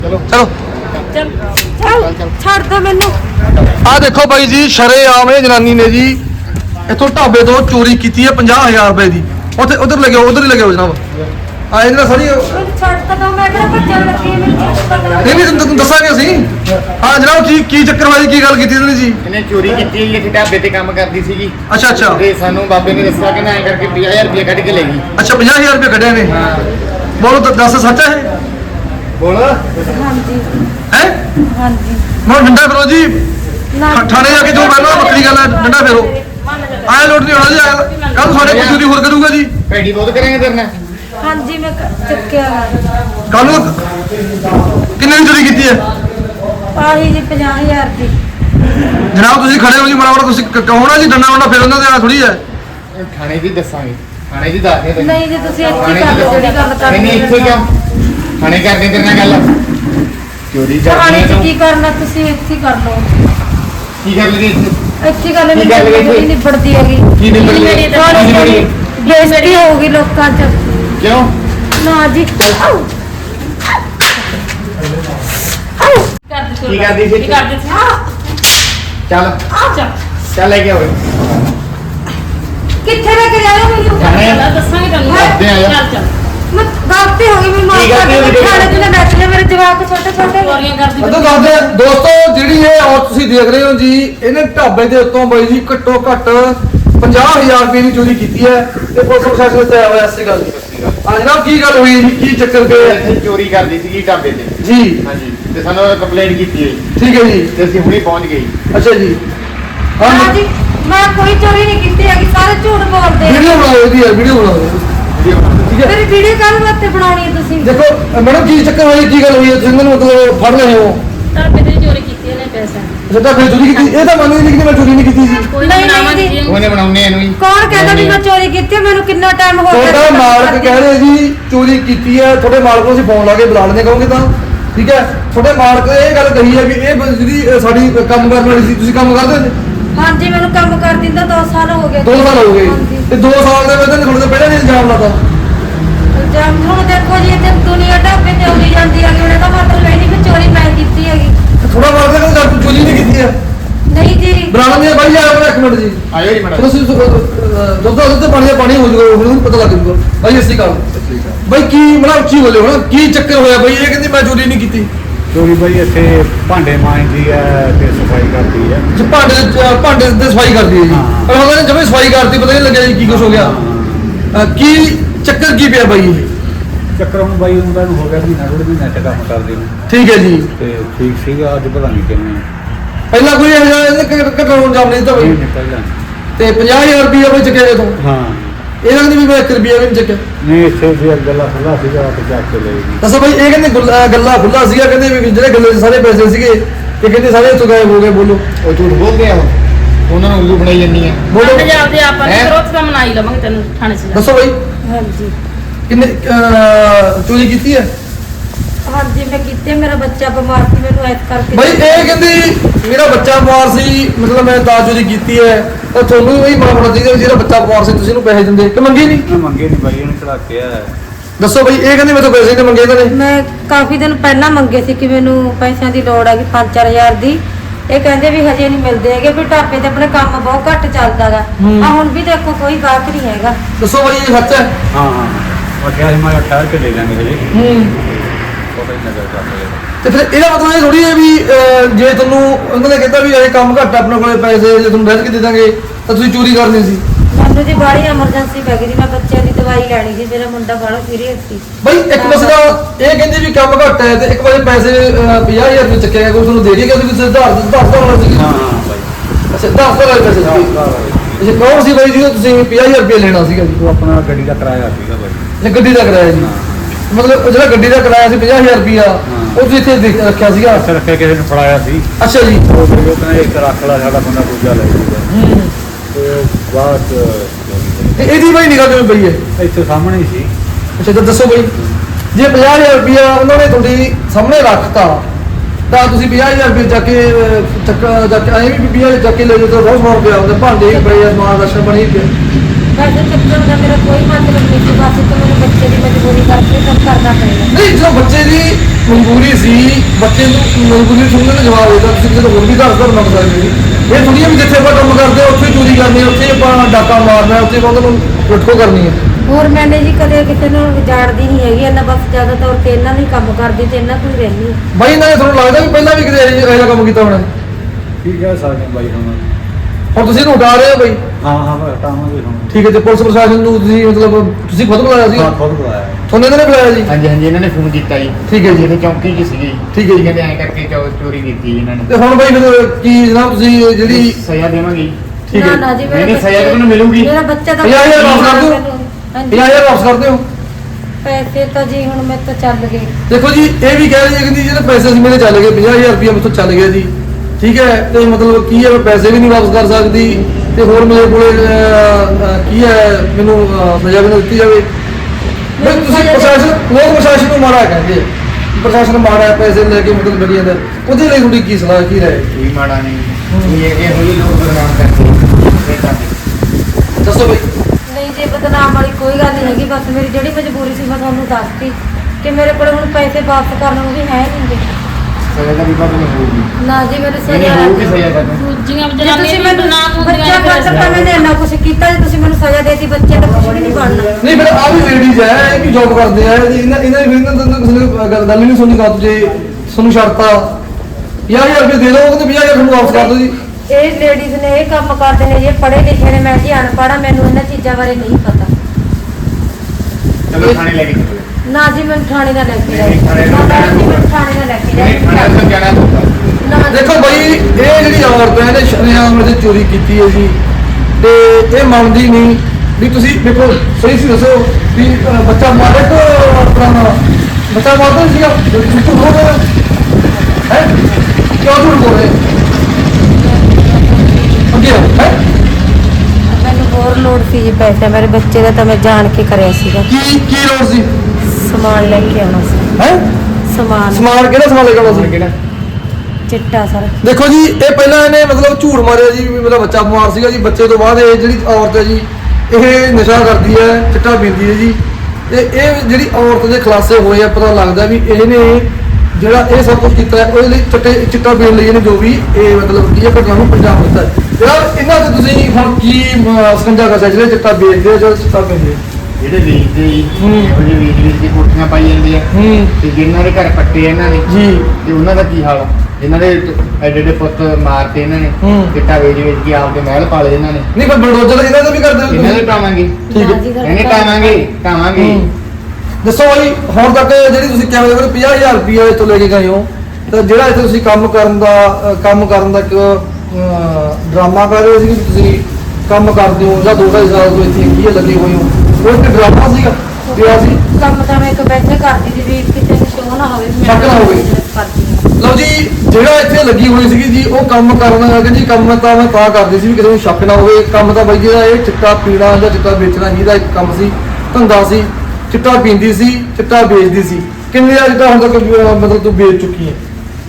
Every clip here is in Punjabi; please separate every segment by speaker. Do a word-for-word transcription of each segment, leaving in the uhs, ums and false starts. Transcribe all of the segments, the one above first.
Speaker 1: चलो चलो
Speaker 2: चल चल छड़ दो मैनू।
Speaker 1: आ देखो भाई जी शरेआम ਇਹ ਜਨਾਨੀ ਨੇ ਜੀ इतों ढाबे तो चोरी की है पचास हजार रुपए की उधर उधर लगे उधर ही लगे जनाब आ इन्हें सारी
Speaker 2: छड़ तो दो मैं किहड़ा भज्जण लगी मैनू पता
Speaker 1: नहीं नहीं तुम दसांगे ਅਸੀਂ हाँ जनाब की की ਚੱਕਰ ਵਾਲੀ ਕੀ ਗੱਲ ਕੀਤੀ ਇਹਨੇ ਜੀ
Speaker 3: ਇਹਨੇ ਚੋਰੀ ਕੀਤੀ ਹੈ ਇੱਥੇ ਢਾਬੇ ਤੇ ਕੰਮ ਕਰਦੀ ਸੀਗੀ
Speaker 1: ਅੱਛਾ ਅੱਛਾ
Speaker 3: ਤੇ ਸਾਨੂੰ ਬਾਬੇ ਨੇ ਦੱਸਿਆ ਕਿ ਨਾ ਐਂ ਕਰਕੇ ਪੰਜਾਹ ਹਜ਼ਾਰ ਰੁਪਏ ਕੱਢ ਕੇ ਲੈ ਗਈ
Speaker 1: ਅੱਛਾ ਪੰਜਾਹ ਹਜ਼ਾਰ ਰੁਪਏ ਕੱਢਿਆ ਨੇ
Speaker 3: ਹਾਂ
Speaker 1: ਬੋਲੋ ਤਾਂ ਦੱਸ ਸੱਚ ਹੈ
Speaker 3: ਬੋਲ
Speaker 2: हां जी
Speaker 1: ਹੈ
Speaker 2: हां जी
Speaker 1: ਮੋਰ ਡੰਡਾ ਫਿਰੋ ਜੀ
Speaker 2: ना
Speaker 1: ਥਾਣੇ ਜਾ ਕੇ ਜੋ ਪਹਿਲਾਂ ਵੱਖਰੀ ਗੱਲ ਹੈ ਡੰਡਾ ਫਿਰੋ ਆਏ ਲੋਟ ਨਹੀਂ ਹੋਣਾ ਜੀ ਕੱਲ ਤੁਹਾਡੇ ਕੋਈ ਚੋਰੀ ਹੋਰ ਕਰੂਗਾ ਜੀ
Speaker 3: ਭੈੜੀ ਬਹੁਤ ਕਰਾਂਗੇ ਤੇਰੇ ਨਾਲ
Speaker 2: हां जी मैं चुक्या
Speaker 1: ਕੱਲ ਨੂੰ ਕਿੰਨੇ ਦੀ ਚੋਰੀ ਕੀਤੀ ਹੈ
Speaker 2: ਆਹੀ ਜੀ ਪੰਜਾਹ ਹਜ਼ਾਰ ਦੀ
Speaker 1: ਜਨਾਬ ਤੁਸੀਂ ਖੜੇ ਹੋ ਜੀ ਬੜਾ ਬੜਾ ਤੁਸੀਂ ਕ- ਕਹੋ ਨਾ ਜੀ ਡੰਡਾ ਵੰਡਾ ਫਿਰ ਉਹਨਾਂ ਦੇ ਆ ਥੋੜੀ ਹੈ
Speaker 3: ਥਾਣੇ ਦੀ ਦੱਸਾਂਗੇ ਥਾਣੇ ਦੀ ਦੱਸਦੇ ਤੈਨੂੰ
Speaker 2: ਨਹੀਂ ਜੀ ਤੁਸੀਂ ਇੱਥੇ
Speaker 3: ਥਾਣੇ
Speaker 2: ਕਰ
Speaker 3: ਦੀ
Speaker 2: ਲਓ ਜਿਹੜੀ ਗੱਲ
Speaker 3: ਦੱਸਾਂਗੇ। ਨਹੀਂ
Speaker 2: ਕਰਨੀ
Speaker 3: ਨਹੀਂ ਇੱਥੇ ਕਿਉਂ ਥਾਣੇ ਕਰਦੇ ਤੇਰੇ ਨਾਲ ਗੱਲ ਚੋਰੀ
Speaker 2: ਥਾਣੇ
Speaker 3: ਕਰਨੀ
Speaker 2: 'ਚ
Speaker 3: ਤੂੰ
Speaker 2: ਕੀ ਕਰਨਾ ਤੁਸੀਂ ਇੱਥੇ ਕਰ ਲਓ
Speaker 3: ਕੀ ਕਰ ਲਈ ਇੱਥੇ
Speaker 2: ਇੱਥੇ ਗੱਲ
Speaker 3: ਕੀ ਗੱਲ
Speaker 2: ਨਹੀਂ
Speaker 3: ਕੀਤੀ?
Speaker 2: ਨਿਬੜਦੀ ਹੈਗੀ
Speaker 3: ਕੀ ਨਿਬੜ ਗਈ
Speaker 2: ਥਾਣੇ 'ਚ
Speaker 3: ਕੀ
Speaker 2: ਬੇਇੱਜ਼ਤੀ ਹੋਊਗੀ ਲੋਕਾਂ 'ਚ
Speaker 3: ਕਿਉਂ
Speaker 2: ਨਾ ਜੀ ਆਓ ਆਓ
Speaker 3: ਕੀ ਕਰਦੀ ਸੀ ਇੱਥੇ?
Speaker 2: ਕਰਦੇ ਸੀ
Speaker 3: ਚੱਲ
Speaker 2: ਆ ਚੱਲ
Speaker 3: ਚੱਲ ਲੈ ਕੇ ਆਓ
Speaker 2: ਕਿੱਥੇ ਲੈ ਕੇ ਜਾ ਰਹੇ ਹੋ ਮੈਨੂੰ
Speaker 3: ਥਾਣੇ
Speaker 2: ਦੱਸਾਂਗੇ ਤੁਹਾਨੂੰ
Speaker 3: ਕਰਦੇ ਆ ਯਾਰ।
Speaker 2: ਚੱਲ ਚੱਲ ਮੈਂ ਗਲਤੀ ਹੋ ਗਈ ਮੈਨੂੰ ਮਾਫ
Speaker 3: ਕੀ
Speaker 2: ਕਰ
Speaker 3: ਗਲਤੀ ਹੋ
Speaker 2: ਦਿਓ
Speaker 3: ਗਈ?
Speaker 2: ਥਾਣੇ 'ਚ ਨਾ ਬੈਠ ਲੈ ਮੇਰੇ ਜਵਾਕ ਛੋਟੇ ਛੋਟੇ ਚੋਰੀਆਂ ਕਰਦੀ
Speaker 1: ਅਦੋਂ ਦੱਸਦੇ ਹਾਂ, ਦੋਸਤੋ ਜਿਹੜੀ ਇਹ ਔਰਤ ਤੁਸੀਂ ਦੇਖ ਰਹੇ ਹੋ ਜੀ ਇਹਨੇ ਢਾਬੇ ਦੇ ਉੱਤੋਂ ਬਾਈ ਜੀ ਘੱਟੋ ਘੱਟ ਪੰਜਾਹ ਹਜ਼ਾਰ ਰੁਪਏ ਦੀ ਚੋਰੀ ਕੀਤੀ ਹੈ ਤੇ ਪੁਲਿਸ ਪ੍ਰਸ਼ਾਸਨ ਤੇ ਆਇਆ ਹੋਇਆ ਇਸੇ ਗੱਲ ਦੀ ਆ ਜਨਾਬ ਕੀ ਗੱਲ ਹੋਈ ਜੀ ਕੀ ਚੱਕਰ
Speaker 3: ਤੇ
Speaker 1: ਪਿਆ
Speaker 3: ਇੱਥੇ ਚੋਰੀ ਕਰਦੀ ਸੀਗੀ ਢਾਬੇ ਤੇ
Speaker 1: ਜੀ
Speaker 3: ਹਾਂਜੀ ਤੇ ਸਾਨੂੰ ਕੰਪਲੇਂਟ ਕੀਤੀ ਹੈ
Speaker 1: ਠੀਕ ਹੈ ਜੀ
Speaker 3: ਤੇ ਅਸੀਂ ਹੁਣੇ ਪਹੁੰਚ ਗਏ
Speaker 1: ਅੱਛਾ ਜੀ
Speaker 2: ਹਾਂ
Speaker 1: ਹਾਂ
Speaker 2: ਜੀ ਮੈਂ ਕੋਈ ਚੋਰੀ ਨਹੀਂ ਕੀਤੀ ਹੈਗੀ ਸਾਰੇ ਝੂਠ ਬੋਲਦੇ ਆ
Speaker 1: ਵੀਡੀਓ ਬਣਾਓ ਇਹਦੀ ਯਾਰ ਵੀਡੀਓ ਬਣਾਓ ਠੀਕ ਹੈ
Speaker 2: ਮੇਰੀ ਵੀਡੀਓ ਕਾਹਦੇ ਵਾਸਤੇ ਬਣਾਉਣੀ ਹੈ ਤੁਸੀਂ
Speaker 1: ਦੇਖੋ ਅ, ਮੈਡਮ ਕੀ ਚੱਕਰ ਹੋਈ ਕੀ ਗੱਲ ਹੋਈ ਹੈ ਤੁਸੀਂ ਮੈਨੂੰ ਮਤਲਬ ਫੜ ਰਹੇ ਹੋ
Speaker 2: ਢਾਬੇ ਤੇ ਚੋਰੀ ਕੀਤੀ ਇਹਨੇ ਪੈਸਾ
Speaker 1: ਜਿੱਦਾਂ ਫਿਰ ਚੋਰੀ ਕੀਤੀ ਇਹ ਤਾਂ ਮੰਨ ਨਹੀਂ ਕਿ ਮੈਂ ਚੋਰੀ ਨਹੀਂ ਕੀਤੀ ਸੀ
Speaker 2: ਨਹੀਂ ਨਹੀਂ ਜੀ
Speaker 3: ਉਹਨੇ ਬਣਾਉਣੇ ਇਹਨੂੰ ਹੀ
Speaker 2: ਕੌਣ ਕਹਿੰਦਾ ਵੀ ਮੈਂ ਚੋਰੀ ਕੀਤੀ ਹੈ? ਮੈਨੂੰ ਕਿੰਨਾ ਟਾਈਮ ਹੋ ਗਿਆ
Speaker 1: ਤੁਹਾਡਾ ਮਾਲਕ ਕਹਿ ਰਹੇ ਜੀ ਚੋਰੀ ਕੀਤੀ ਹੈ ਤੁਹਾਡੇ ਮਾਲਕ ਨੂੰ ਅਸੀਂ ਫੋਨ ਲਾ ਕੇ ਬੁਲਾ ਲੈਣੇ ਕਹੋਗੇ ਤਾਂ ਠੀਕ ਹੈ ਤੁਹਾਡੇ ਮਾਲਕ ਨੇ ਇਹ ਗੱਲ ਕਹੀ ਹੈ ਵੀ ਇਹ ਬ- ਜਿਹੜੀ ਅ, ਸਾਡੀ ਕੰਮ ਕਰਨ ਵਾਲੀ ਸੀ ਤੁਸੀਂ ਕੰਮ ਕਰਦੇ ਹੋ
Speaker 2: ਹਾਂਜੀ ਮੈਨੂੰ ਕੰਮ ਕਰ ਦਿੰਦਾ ਦੋ ਸਾਲ ਹੋ ਗਏ
Speaker 1: ਦੋ ਸਾਲ ਹੋ ਗਏ
Speaker 2: ਹਾਂਜੀ।
Speaker 1: ਤੇ ਦੋ ਸਾਲ ਦੇ ਵਿੱਚ ਤੁਹਾਡੇ ਤੋਂ ਪਹਿਲਾਂ ਨਹੀਂ ਇਲਜ਼ਾਮ ਲਾਤਾ
Speaker 2: ਜਦ ਹੁਣ ਦੇਖੋ ਜੀ ਇੱਥੇ ਦੁਨੀਆ ਢਾਬੇ ਤੇ ਆਉਂਦੀ ਜਾਂਦੀ ਹੈਗੀ ਉਹਨੇ ਤਾਂ ਮਤਲਬ ਇਹ ਨਹੀਂ ਵੀ ਚੋਰੀ ਮੈਂ ਕੀਤੀ ਹੈਗੀ
Speaker 1: ਥੋੜਾ ਮਾਰਦਾ ਕਹਿੰਦਾ ਤੂੰ ਚੋਰੀ ਨਹੀਂ ਕੀਤੀ ਹੈ
Speaker 2: ਨਹੀਂ ਜੀ
Speaker 1: ਬਰਾਣਾ ਨੇ ਬਾਈ ਆ ਇੱਕ ਮਿੰਟ ਜੀ
Speaker 3: ਆਇਓ ਜੀ ਮੈਡਮ
Speaker 1: ਤੁਸੀਂ ਦੁੱਧ ਦਾ ਦੁੱਧ ਪਾਣੀ ਦਾ ਪਾਣੀ ਹੋ ਜਾਊਗਾ ਹੁਣ ਪਤਾ ਲੱਗ ਜਾਊਗਾ ਬਾਈ ਅਸੀਂ ਕਰ ਬਾਈ ਕੀ ਮਤਲਬ ਕੀ ਬੋਲੇ ਹੁਣ ਕੀ ਚੱਕਰ ਹੋਇਆ ਬਾਈ ਇਹ ਕਹਿੰਦੀ ਮੈਂ ਚੋਰੀ ਨਹੀਂ ਕੀਤੀ
Speaker 4: ਚੋਰੀ ਬਾਈ ਇੱਥੇ ਭਾਂਡੇ ਮਾਂਜਦੀ ਹੈ ਤੇ ਸਫਾਈ ਕਰਦੀ ਹੈ
Speaker 1: ਜੇ ਭਾਂਡੇ ਦੇ- ਭਾਂਡੇ ਦੇ ਸਫਾਈ ਕਰਦੀ ਹੈ ਜੀ
Speaker 4: ਹਾਂ।
Speaker 1: ਪਰ ਉਹਨਾਂ ਨੇ ਜਮੇ ਸਫਾਈ ਕਰਤੀ ਪਤਾ ਨਹੀਂ ਲੱਗਿਆ ਜੀ ਕੀ ਕੁਝ ਹੋ ਗਿਆ ਅਹ ਕੀ ਚੱਕਰ ਕੀ ਪਿਆ ਬਾਈ ਇਹ
Speaker 4: ਚੱਕਰ ਹੁਣ ਬਾਈ ਉਹਨਾਂ ਨੂੰ ਹੋ ਗਿਆ ਵੀ ਨਗੜ ਵੀ ਨੈਟ ਕੰਮ ਕਰਦੇ ਨੇ
Speaker 1: ਠੀਕ ਹੈ ਜੀ
Speaker 4: ਤੇ ਠੀਕ ਸੀਗਾ ਅੱਜ ਪਤਾ ਨਹੀਂ ਕਿਵੇਂ
Speaker 1: ਪਹਿਲਾਂ ਕੋਈ ਇਹੋ ਜਿਹਾ ਇਹਨੇ ਘਟਾਉਣ ਜਾਮ ਨਹੀਂ ਦਿੱਤਾ
Speaker 4: ਇਹ
Speaker 1: ਬਾਈ
Speaker 4: ਨਹੀਂ ਪਹਿਲਾਂ
Speaker 1: ਤੇ ਪੰਜਾਹ ਹਜ਼ਾਰ ਰੁਪਏ ਬਾਈ ਚੱਕਿਆ ਜੇ ਤੋਂ
Speaker 4: ਹਾਂ
Speaker 1: ਇਹਨਾਂ ਦੀ ਵੀ ਮੈਂ ਇੱਕ ਰੁਪਿਆ ਵੀ ਨਹੀਂ ਚੱਕਿਆ
Speaker 4: ਨਹੀਂ ਇੱਥੇ ਵੀ ਗੱਲਾਂ ਖੁੱਲਾ ਸੀਗਾ ਤੇ ਜਾ ਕੇ ਲੈ ਗਈ
Speaker 1: ਦੱਸੋ ਬਾਈ ਇਹ ਕਹਿੰਦੇ ਗੁੱਲ- ਅਹ ਗੱਲਾਂ ਖੁੱਲਾ ਸੀਗਾ ਕਹਿੰਦੇ ਵੀ ਜਿਹੜੇ ਗੱਲੇ 'ਚ ਸਾਰੇ ਪੈਸੇ ਸੀਗੇ ਤੇ ਕਹਿੰਦੇ ਸਾਰੇ ਇੱਥੋਂ ਗਾਇਬ ਹੋ ਗਏ ਬੋਲੋ
Speaker 3: ਉਹ ਝੂਠ ਬੋਲਦੇ ਆ ਉਹ ਉਹਨਾਂ ਨੂੰ ਉੱਲੂ ਬਣਾਈ ਜਾਂਦੀ ਆ
Speaker 1: ਬੋਲੋ
Speaker 5: ਪੰਜਾਬ ਦੇ ਆਪਾਂ ਨੇ
Speaker 3: ਹੈਂ?
Speaker 5: ਕਰੋਤ ਦਾ ਮਨਾਈ ਲਵਾਂਗੇ ਤੈਨੂੰ ਥਾਣੇ 'ਚ ਜਾ
Speaker 1: ਦੱਸੋ ਬਾਈ
Speaker 2: ਹਾਂਜੀ
Speaker 1: ਕਿੰਨੇ ਅਹ, ਚੋਰੀ ਕੀਤੀ ਹੈ
Speaker 2: ਹਾਂਜੀ ਮੈਂ ਕੀਤੀ ਮੇਰਾ ਬੱਚਾ ਬਿਮਾਰ ਸੀ ਮੈਨੂੰ ਐਤ ਕਰਕੇ
Speaker 1: ਬਾਈ ਇਹ ਕਹਿੰਦੀ ਮੇਰਾ ਬੱਚਾ ਬਿਮਾਰ ਸੀ ਮਤਲਬ ਮੈਂ ਤਾਂ ਚੋਰੀ ਕੀਤੀ ਹੈ ਤਾਂ ਤੁਹਾਨੂੰ ਵੀ ਮਾਮਲਾ ਚਾਹੀਦਾ ਵੀ ਜਿਹੜਾ ਬੱਚਾ ਬਿਮਾਰ ਸੀ ਤੁਸੀਂ ਇਹਨੂੰ ਪੈਸੇ ਦਿੰਦੇ ਕਿ ਮੰਗੇ ਨਹੀਂ
Speaker 4: ਮੈਂ ਮੰਗੇ ਨਹੀਂ ਬਾਈ ਇਹਨੇ ਚੜਾ ਕੇ ਆ
Speaker 1: ਦੱਸੋ ਬਾਈ ਇਹ ਕਹਿੰਦੇ ਮੇਰੇ ਤੋਂ ਪੈਸੇ ਨਹੀਂ ਮੰਗੇ ਇਹਨਾਂ ਨੇ
Speaker 2: ਮੈਂ ਕਾਫੀ ਦਿਨ ਪਹਿਲਾਂ ਮੰਗੇ ਸੀ ਕਿ ਮੈਨੂੰ ਪੈਸਿਆਂ ਦੀ ਲੋੜ ਹੈਗੀ ਪੰਜ ਚਾਰ ਹਜ਼ਾਰ ਦੀ ਇਹ ਕਹਿੰਦੇ ਵੀ ਹਜੇ ਨਹੀਂ ਮਿਲਦੇ ਹੈਗੇ ਵੀ ਢਾਬੇ ਤੇ ਆਪਣੇ ਕੰਮ ਬਹੁਤ ਘੱਟ ਚੱਲਦਾਗਾ
Speaker 1: ਹੂੰ।
Speaker 2: ਆ ਹੁਣ ਵੀ ਦੇਖੋ ਕੋਈ ਗਾਹਕ ਨਹੀਂ ਹੈਗਾ
Speaker 1: ਦੱਸੋ ਬਾਈ ਇਹ ਸੱਚ ਹੈ
Speaker 4: ਹਾਂ ਹਾਂ ਉਹ ਕਿਹਾ ਸੀ ਮੈਂ ਠਹਿਰ ਕੇ ਲੈ ਜਾਵਾਂਗੇ ਹਜੇ
Speaker 1: ਹੂੰ
Speaker 4: ਪਤਾ ਹੀ ਨਜ਼ਰ ਕਰ ਲਿਆ
Speaker 1: ਤੇ ਫਿਰ ਇਹਦਾ ਮਤਲਬ ਇਹ ਥੋੜੀ ਹੈ ਵੀ ਅਹ, ਜੇ ਤੁਹਾਨੂੰ ਉਹਨਾਂ ਨੇ ਕਹਿੰਦਾ ਵੀ ਇਹ ਕੰਮ ਘੱਟ ਆ, ਆਪਣੇ ਕੋਲੇ ਪੈਸੇ ਜੇ ਤੁਹਾਨੂੰ ਰਹਿ ਕੇ ਦੇ ਦਾਂਗੇ ਤਾਂ ਤੁਸੀਂ ਚੋਰੀ ਕਰਨੀ ਸੀ
Speaker 2: ਮੈਨੂੰ ਜੀ ਬਾਹਲੀ ਐਮਰਜੈਂਸੀ ਪੈ ਗਈ ਸੀ ਮੈਂ ਬੱਚਿਆਂ ਦੀ ਦਵਾਈ ਲੈਣੀ ਸੀ ਮੇਰਾ ਮੁੰਡਾ ਬੜਾ ਸੀਰੀਅਸ ਸੀ
Speaker 1: ਬਾਈ ਇੱਕ ਮਸਲਾ ਇਹ ਕਹਿੰਦੇ ਵੀ ਕੰਮ ਘੱਟ ਹੈ ਤੇ ਇੱਕ ਵਾਰੀ ਪੈਸੇ ਅਹ, ਪੰਜਾਹ ਹਜ਼ਾਰ ਰੁਪਏ ਚੱਕਿਆ ਗਿਆ ਕੋਈ ਤੁਹਾਨੂੰ ਦੇ ਗਿਆ ਤੁਸੀਂ ਸਿਧਾਰਥ ਸਿਧਾਰਥ ਹੋਣਾ ਸੀ
Speaker 4: ਹਾਂ ਹਾਂ ਬਾਈ
Speaker 1: ਅੱਛਾ ਦਸ ਵਾਲੇ ਪੈਸੇ ਸੀ ਅੱਛਾ ਕੌਣ ਸੀ ਬਾਈ ਜੀ ਤੁਸੀਂ ਪੰਜਾਹ ਹਜ਼ਾਰ ਰੁਪਏ ਲੈਣਾ ਸੀਗਾ ਜੀ
Speaker 4: ਉਹ ਆਪਣਾ ਗੱਡੀ ਦਾ ਕਿਰਾਇਆ ਸੀਗਾ ਬਾਈ
Speaker 1: ਅੱਛਾ ਗੱਡੀ ਦਾ ਕਿਰਾਇਆ ਜੀ ਮਤਲਬ ਉਹ ਜਿਹੜਾ ਗੱਡੀ ਦਾ ਕਿਰਾਇਆ ਸੀ ਪੰਜਾਹ ਹਜ਼ਾਰ ਰੁਪਇਆ ਉਹ ਤੁਸੀਂ ਇੱਥੇ ਦੇਖ- ਰੱਖਿਆ ਸੀਗਾ
Speaker 4: ਅੱਛਾ ਰੱਖਿਆ ਕਿਸੇ ਨੇ ਫੜਾਇਆ ਸੀ
Speaker 1: ਅੱਛਾ ਜੀ
Speaker 4: ਉਹ ਫਿਰ ਉਹ ਕਹਿੰਦਾ ਇੱਕ ਰੱਖ ਲਾ ਸਾਡਾ ਬੰਦਾ ਦੂਜਾ ਲੈ ਜਾਊਗਾ ਤੇ ਉਹ ਬਾਅਦ 'ਚ
Speaker 1: ਤੇ ਇਹਦੀ ਬਾਈ ਨਿਗਾਹ ਕਿਵੇਂ ਪਈ ਹੈ
Speaker 4: ਇੱਥੇ ਸਾਹਮਣੇ ਹੀ ਸੀ
Speaker 1: ਅੱਛਾ ਤਾਂ ਦੱਸੋ ਬਾਈ ਜੇ ਪੰਜਾਹ ਹਜ਼ਾਰ ਰੁਪਇਆ ਉਹਨਾਂ ਨੇ ਤੁਹਾਡੀ ਸਾਹਮਣੇ ਰੱਖਤਾ ਤਾਂ ਤੁਸੀਂ ਪੰਜਾਹ ਹਜ਼ਾਰ ਰੁਪਏ ਚੱਕ ਕੇ ਅਹ, ਚੱਕ ਚੱਕ ਐਂ ਵੀ ਪੰਜਾਹ ਹਜ਼ਾਰ ਚੱਕ ਕੇ ਲੈ ਜਾਓ ਤਾਂ ਬਹੁਤ ਸਮਾਨ ਪਿਆ ਹੁੰਦਾ ਭਾਂਡੇ ਵੀ ਪਏ ਆ ਸਮਾਨ ਰਾਸ਼ਨ ਬਣੀ ਪਿਆ
Speaker 2: ਪੈਸੇ ਚੱਕਣ ਦਾ ਮੇਰਾ ਕੋਈ ਮਤਲਬ ਨਹੀਂ ਸੀ ਬਸ ਇੱਕ ਮੈਨੂੰ ਬੱਚੇ ਦੀ ਮਜਬੂਰੀ ਕਰਕੇ ਕੰਮ ਕਰਨਾ ਪਏਗਾ
Speaker 1: ਨਹੀਂ ਜਦੋਂ ਬੱਚੇ ਦੀ ਮਜਬੂਰੀ ਸੀ ਬੱਚੇ ਨੂੰ ਮਜਬੂਰੀ ਸੁਣਨ ਦਾ ਜਵਾਬ ਦੇਦਾ ਤੁਸੀਂ ਕਿਸੇ ਤੋਂ ਹੋਰ ਵੀ ਘਰ ਘਰ ਮੰਗ ਸਕਦੇ ਹੋ ਇਹ ਥੋੜ੍ਹੀ ਆ ਵੀ ਜਿੱਥੇ ਆਪਾਂ ਕੰਮ ਕਰਦੇ ਹਾਂ ਉੱਥੇ ਹੀ ਚੋਰੀ ਕਰਨੀ ਹੈ ਉੱਥੇ ਹੀ ਆਪਾਂ ਡਾਕਾ ਮਾਰਨਾ ਉੱਥੇ ਹੀ ਉਹਨਾਂ ਨੂੰ ਲੁੱਟਖੋ ਕਰਨੀ ਹੈ
Speaker 2: ਹੋਰ ਮੈਨੇ ਜੀ ਕਦੇ ਕਿਸੇ ਨੂੰ ਜਾਣਦੀ ਨਹੀਂ ਹੈਗੀ ਇਹਨਾਂ ਬਸ ਜ਼ਿਆਦਾ ਤੌਰ ਤੇ ਇਹਨਾਂ ਨੂੰ ਹੀ ਕੰਮ ਕਰਦੀ ਤੇ ਇਹਨਾਂ ਤੋਂ ਹੀ ਰਹਿੰਦੀ
Speaker 1: ਬਾਈ ਇਹਨਾਂ ਨੇ ਤੁਹਾਨੂੰ ਲੱਗਦਾ ਵੀ ਪਹਿਲਾਂ ਵੀ ਕਿਤੇ ਇਹੋ ਜਿਹਾ ਕੰਮ ਕੀਤਾ ਹੋਣਾ
Speaker 4: ਕੀ ਕਹਿ ਸਕਦੇ ਹਾਂ ਬਾਈ ਹੁਣ
Speaker 1: ਹੁਣ ਤੁਸੀਂ ਇਹਨੂੰ ਉਠਾ ਰਹੇ ਹੋ ਬਾਈ
Speaker 4: ਹਾਂ ਹਾਂ ਹਟਾਵਾਂਗੇ ਹੁਣ
Speaker 1: ਠੀਕ ਹੈ ਤੇ ਪੁਲਿਸ ਪ੍ਰਸ਼ਾਸਨ ਨੂੰ ਤੁਸੀਂ ਮਤਲਬ ਤੁਸੀਂ ਖੁਦ ਬੁਲਾਇਆ ਸੀ
Speaker 4: ਹਾਂ ਖੁਦ ਬੁਲਾਇਆ
Speaker 1: ਤੁਹਾਨੂੰ ਇਹਨਾਂ ਨੇ ਬੁਲਾਇਆ ਜੀ
Speaker 3: ਹਾਂਜੀ ਹਾਂਜੀ ਇਹਨਾਂ ਨੇ ਫੋਨ ਕੀਤਾ ਜੀ
Speaker 1: ਠੀਕ ਹੈ ਜੀ।
Speaker 3: ਇਹਦੇ ਚੌਂਕੀ 'ਚ ਸੀਗੀ
Speaker 1: ਠੀਕ ਹੈ ਜੀ।
Speaker 3: ਕਹਿੰਦੇ ਐਂ ਕਰਕੇ ਚੋ- ਚੋਰੀ ਕੀਤੀ ਇਹਨਾਂ ਨੇ
Speaker 1: ਤੇ ਹੁਣ ਬਾਈ ਫਿਰ ਕੀ ਜਨਾਬ ਤੁਸੀਂ ਜਿਹੜੀ
Speaker 3: ਸਜ਼ਾ ਦੇਵਾਂਗੇ ਜੀ।
Speaker 1: ਠੀਕ
Speaker 2: ਨਾ
Speaker 1: ਹੈ
Speaker 2: ਨਾ ਜੀ
Speaker 3: ਨਹੀਂ, ਨਹੀਂ, ਸਜ਼ਾ ਤਾਂ ਮੈਨੂੰ ਮਿਲੂਗੀ।
Speaker 2: ਮੇਰਾ ਬੱਚਾ ਤਾਂ
Speaker 1: ਪੰਜਾਹ ਹਜ਼ਾਰ ਵਾਪਸ ਕਰ ਦਿਓ।
Speaker 2: ਹਾਂਜੀ।
Speaker 1: ਪੰਜਾਹ ਹਜ਼ਾਰ ਵਾਪਸ ਕਰਦੇ ਹੋ
Speaker 2: ਪੈਸੇ ਤਾਂ ਜੀ ਹੁਣ ਮੇਰੇ ਤੋਂ ਚੱਲ ਗਏ
Speaker 1: ਦੇਖੋ ਜੀ ਇਹ ਵੀ ਕਹਿ ਰਹੀ ਹੈ ਕਿ ਜਿਹੜੇ ਪੈਸੇ ਸੀ ਮੇਰੇ ਚੱਲ ਗਏ ਪੰਜਾਹ ਹਜ਼ਾਰ ਰੁਪਏ ਮੇਰੇ ਤੋਂ ਚੱਲ ਗਿਆ ਜੀ ਠੀਕ ਹੈ ਤੇ ਮਤਲਬ ਕੀ ਹੈ ਮੈਂ ਪੈਸੇ ਵੀ ਨਹੀਂ ਵਾਪਸ ਕਰ ਸਕਦੀ ਤੇ ਹੋਰ ਮੇਰੇ ਕੋਲੇ ਅਹ, ਅਹ, ਕੀ ਹੈ ਮੈਨੂੰ ਅਹ, ਸਜ਼ਾ ਵੀ ਨਾ ਦਿੱਤੀ ਜਾਵੇ ਬਈ ਤੁਸੀਂ ਪ੍ਰਸ਼ਾਸਨ ਲੋਕ ਪ੍ਰਸ਼ਾਸਨ ਨੂੰ ਮਾੜਾ ਕਹਿੰਦੇ ਆ। ਪ੍ਰਸ਼ਾਸਨ ਮਾੜਾ ਹੈ, ਪੈਸੇ ਲੈ ਕੇ ਮਤਲਬ ਬੜੀ ਜਾਂਦਾ ਉਹਦੇ ਲਈ ਤੁਹਾਡੀ ਕੀ ਸਲਾਹ ਕੀ ਰਾਏ
Speaker 3: ਕੋਈ ਮਾੜਾ ਨਹੀਂ ਇਹ ਇਹ ਹੋਈ ਲੋਕ ਬਦਨਾਮ ਕਰਦੇ ਇਹ ਕਰਦੇ
Speaker 1: ਦੱਸੋ ਬਈ
Speaker 2: ਨਹੀਂ ਜੀ ਬਦਨਾਮ ਵਾਲੀ ਕੋਈ ਗੱਲ ਨਹੀਂ ਹੈਗੀ ਬਸ ਮੇਰੀ ਜਿਹੜੀ ਮਜਬੂਰੀ ਸੀ ਮੈਂ ਤੁਹਾਨੂੰ ਦੱਸਤੀ ਕਿ ਮੇਰੇ ਕੋਲ ਹੁਣ ਪੈਸੇ ਵਾਪਸ ਕਰਨ ਨੂੰ ਵੀ ਹੈ ਨਹੀਂ ਗੇ।
Speaker 3: ਸਜ਼ਾ ਦਾ ਵੀ ਪਤਾ ਨਹੀਂ ਹੋਊਗੀ
Speaker 2: ਨਾ ਜੀ ਮੈਨੂੰ
Speaker 3: ਨਹੀਂ
Speaker 2: ਸਜ਼ਾ
Speaker 3: ਹੋਊਗੀ ਸਜ਼ਾ ਦਾ
Speaker 5: ਦੂਜੀਆਂ
Speaker 2: ਜੇ
Speaker 5: ਜਨਾਨੀਆਂ
Speaker 2: ਤੁਸੀਂ
Speaker 5: ਵੀ
Speaker 2: ਮੈਨੂੰ
Speaker 5: ਬਦਨਾਮ
Speaker 2: ਬੱਚਾ
Speaker 5: ਹੁੰਦੀਆਂ ਨੇ
Speaker 2: ਕਰ ਤਾਂ ਮੈंने ਇੰਨਾ ਕੁਝ ਕੀਤਾ ਜੇ ਤੁਸੀਂ ਮੈਨੂੰ ਸਜ਼ਾ ਦੇਤੀ ਬੱਚੇ ਦਾ ਕੁਝ ਵੀ ਨਹੀਂ ਬਣਨਾ
Speaker 1: ਨਹੀਂ ਫਿਰ ਆ ਵੀ ਲੇਡੀਜ਼ ਹੈ ਇਹ ਵੀ ਜੌਬ ਕਰਦੇ ਆ ਇਹ- ਇਹਨਾਂ ਇਹਨਾਂ ਦੀ ਇਹਨਾਂ ਦਾ ਕਿਸੇ ਨੇ ਗੱਲ ਗੱਲ ਹੀ ਨਹੀਂ ਸੁਣੀ ਗਾ ਜੇ ਤੁਹਾਨੂੰ ਛੱਡਤਾ ਪੰਜਾਹ ਹਜ਼ਾਰ ਰੁਪਏ ਦੇ ਦਿਓ ਕਹਿੰਦੇ ਪੰਜਾਹ ਹਜ਼ਾਰ ਤੁਹਾਨੂੰ ਵਾਪਸ ਕਰ ਦਿਓ ਜੀ
Speaker 2: ਇਹ ਲੇਡੀਜ਼ ਨੇ ਇਹ ਕੰਮ ਕਰਦੇ ਨੇ ਜੇ ਪੜ੍ਹੇ ਲਿਖੇ ਨੇ ਮੈਂ ਜੀ ਅਨਪੜ੍ਹ ਆ ਮੈਨੂੰ ਇਹਨਾਂ ਚੀਜ਼ਾਂ ਬਾਰੇ ਨਹੀਂ ਪਤਾ
Speaker 3: ਚਲੋ ਥਾਣੇ ਲੈ ਕੇ ਚਲੋ
Speaker 2: ਨਾ ਜੀ ਮੈਨੂੰ ਥਾਣੇ ਦਾ ਲੈ ਕੇ
Speaker 3: ਨਹੀਂ, ਥਾਣੇ
Speaker 2: ਜਾਓ
Speaker 3: ਦਾ
Speaker 2: ਨਾ ਜੀ ਮੈਨੂੰ ਥਾਣੇ ਦਾ ਲੈ ਕੇ
Speaker 3: ਨਹੀਂ ਥਾਣੇ ਤੋਂ
Speaker 2: ਜਾਓ
Speaker 3: ਜਾਣਾ ਪਊਗਾ
Speaker 2: ਨਾ ਜੀ।
Speaker 1: ਦੇਖੋ ਬਈ ਇਹ ਜਿਹੜੀ ਔਰਤ ਹੈ ਇਹਨੇ ਸ਼ਰੇਆਮ ਇਹਦੇ ਚੋਰੀ ਕੀਤੀ ਹੈ ਜੀ ਤੇ ਇਹ ਮੰਨਦੀ ਨਹੀਂ ਵੀ ਤੁਸੀਂ ਦੇਖੋ ਸਹੀ ਸੀ ਦੱਸੋ ਵੀ ਅਹ, ਬੱਚਾ ਮਾਰੇ ਕੋ ਆਪਣਾ ਬੱਚਾ ਮਾਰਦਾ ਸੀਗਾ ਤੁਸੀਂ ਝੂਠ ਬੋਲ ਰਹੇ ਹੋ ਹੈ ਕਿਉਂ ਝੂਠ ਬੋਲ ਰਹੇ ਅੱਗੇ ਹੈ
Speaker 2: ਮੈਨੂੰ ਹੋਰ ਲੋੜ ਸੀ ਜੀ ਪੈਸੇ ਮੇਰੇ ਬੱਚੇ ਦਾ ਤਾਂ ਮੈਂ ਜਾਣ ਕੇ ਕਰਿਆ ਸੀਗਾ
Speaker 1: ਕੀ ਕੀ ਲੋੜ ਸੀ
Speaker 2: ਸਮਾਨ ਲੈ ਕੇ ਆਉਣਾ ਸੀ
Speaker 1: ਹੈ
Speaker 2: ਸਮਾਨ
Speaker 1: ਸਮਾਨ ਕਿਹੜਾ ਸਮਾਨ ਲੈ ਕੇ ਆਉਣਾ ਸੀ
Speaker 3: ਕਿਹੜਾ
Speaker 2: ਚਿੱਟਾ ਸਰ
Speaker 1: ਦੇਖੋ ਜੀ ਇਹ ਪਹਿਲਾਂ ਇਹਨੇ ਮਤਲਬ ਝੂਠ ਮਾਰਿਆ ਜੀ ਵੀ ਮੇਰਾ ਬੱਚਾ ਬਿਮਾਰ ਸੀਗਾ ਜੀ ਬੱਚੇ ਤੋਂ ਬਾਅਦ ਇਹ ਜਿਹੜੀ ਔਰਤ ਹੈ ਜੀ ਇਹ ਨਸ਼ਾ ਕਰਦੀ ਹੈ ਚਿੱਟਾ ਪੀਂਦੀ ਹੈ ਜੀ ਤੇ ਇਹ ਜਿਹੜੀ ਔਰਤ ਦੇ ਖੁਲਾਸੇ ਹੋਏ ਆ ਪਤਾ ਲੱਗਦਾ ਵੀ ਇਹਨੇ ਜਿਹੜਾ ਇਹ ਸਭ ਕੁਝ ਕੀਤਾ ਹੈ ਉਹਦੇ ਲਈ ਚਿੱਟੇ ਚਿੱਟਾ ਪੀਣ ਲਈ ਇਹਨੇ ਜੋ ਵੀ ਇਹ ਮਤਲਬ ਕੀ ਹੈ ਘਟਨਾ ਨੂੰ ਪੰਜਾਬ ਦਿੱਤਾ ਹੈ ਯਾਰ ਇਹਨਾਂ ਤੇ ਤੁਸੀਂ ਹੁਣ ਕੀ ਅਹ, ਸਕੰਜਾ ਕਰਦਾ ਜਿਹੜੇ ਚਿੱਟਾ ਵੇਚਦੇ ਆ ਜਾਂ ਚਿੱਟਾ ਪੀਂਦੇ ਆ?
Speaker 3: ਜਿਹੜੇ ਵੇਚਦੇ ਜੀ
Speaker 1: ਹੂੰ।
Speaker 3: ਇਹੋ ਜਿਹੇ ਵੇਚ ਵੇਚ ਕੇ ਕੋਠੀਆਂ ਪਾਈ ਜਾਂਦੇ ਆ
Speaker 1: ਹੂੰ
Speaker 3: ਤੇ ਜਿਨ੍ਹਾਂ ਦੇ ਘਰ ਪੱਟੇ ਇਹਨਾਂ ਨੇ
Speaker 1: ਜੀ
Speaker 3: ਤੇ ਉਹਨਾਂ ਦਾ ਕੀ ਹਾਲ ਆ? ਜਿਨ੍ਹਾਂ ਦੇ ਐਡੇ ਐਡੇ ਪੁੱਤ ਮਾਰਤੇ ਇਹਨਾਂ ਨੇ
Speaker 1: ਹੂੰ।
Speaker 3: ਚਿੱਟਾ ਵੇਚ ਵੇਚ ਕੇ ਆਪਦੇ ਮਹਿਲ ਪਾਲੇ ਇਹਨਾਂ ਨੇ
Speaker 1: ਨਹੀਂ ਪਰ ਬਲਡੋਜ਼ਰ ਇਹਨਾਂ ਦਾ ਵੀ ਕਰਦੇ ਹੋ
Speaker 3: ਇਹਨਾਂ ਦੇ
Speaker 1: ਤੁਸੀਂ?
Speaker 3: ਟਾਵਾਂਗੇ
Speaker 1: ਠੀਕ ਹੈ।
Speaker 2: ਨਾ ਜੀ,
Speaker 3: ਇਹਨੇ ਟਾਵਾਂਗੇ ਟਾਵਾਂਗੇ
Speaker 1: ਹੂੰ। ਦੱਸੋ ਬਾਈ ਹੁਣ ਤੱਕ ਜਿਹੜੀ ਤੁਸੀਂ ਕਿਵੇਂ ਦੇ ਪੰਜਾਹ ਹਜ਼ਾਰ ਰੁਪਏ ਇੱਥੋਂ ਲੈ ਕੇ ਗਏ ਹੋ ਤਾਂ ਜਿਹੜਾ ਇੱਥੇ ਤੁਸੀਂ ਕੰਮ ਕਰਨ ਦਾ ਅਹ, ਕੰਮ ਕਰਨ ਦਾ ਇੱਕ ਅਹ, ਡਰਾਮਾ ਕਰ ਰਹੇ ਸੀ ਕਿ ਤੁਸੀਂ ਕੰਮ ਕਰਦੇ ਹੋ ਜਾਂ ਦੋ ਢਾਈ ਸਾਲ ਤੋਂ ਇੱਥੇ ਕੀ ਲੱਗੇ ਹੋਏ ਹੋ ਉਹ ਇੱਕ ਡਰਾਮਾ ਸੀਗਾ ਜਿਹੜਾ ਸੀ
Speaker 2: ਕੰਮ ਤਾਂ ਮੈਂ ਇੱਕ ਬੈਠੇ ਕਰਦੀ ਸੀ ਵੀ ਕਿਸੇ ਨੂੰ ਸ਼ੋਅ ਨਾ ਹੋਵੇ ਵੀ ਮੈਂ
Speaker 1: ਸ਼ੱਕ ਨਾ ਹੋਵੇ।
Speaker 2: ਕਰਦੀ ਹਾਂ।
Speaker 1: ਲਓ ਜੀ ਜਿਹੜਾ ਇੱਥੇ ਲੱਗੀ ਹੋਈ ਸੀਗੀ ਜੀ ਉਹ ਕੰਮ ਕਰਨ ਲੱਗੇ ਜੀ ਕੰਮ ਤਾਂ ਮੈਂ ਤਾਂ ਕਰਦੀ ਸੀ ਵੀ ਕਿਸੇ ਨੂੰ ਸ਼ੱਕ ਨਾ ਹੋਵੇ ਕੰਮ ਤਾਂ ਬਾਈ ਜਿਹੜਾ ਇਹ ਚਿੱਟਾ ਪੀਣਾ ਜਾਂ ਚਿੱਟਾ ਵੇਚਣਾ ਜਿਹਦਾ ਇੱਕ ਕੰਮ ਸੀ ਧੰਦਾ ਸੀ ਚਿੱਟਾ ਪੀਂਦੀ ਸੀ ਚਿੱਟਾ ਵੇਚਦੀ ਸੀ ਕਿੰਨੇ ਦਾ ਚਿੱਟਾ ਹੁਣ ਤੱਕ ਅਹ, ਮਤਲਬ ਤੂੰ ਵੇਚ ਚੁੱਕੀ ਹੈ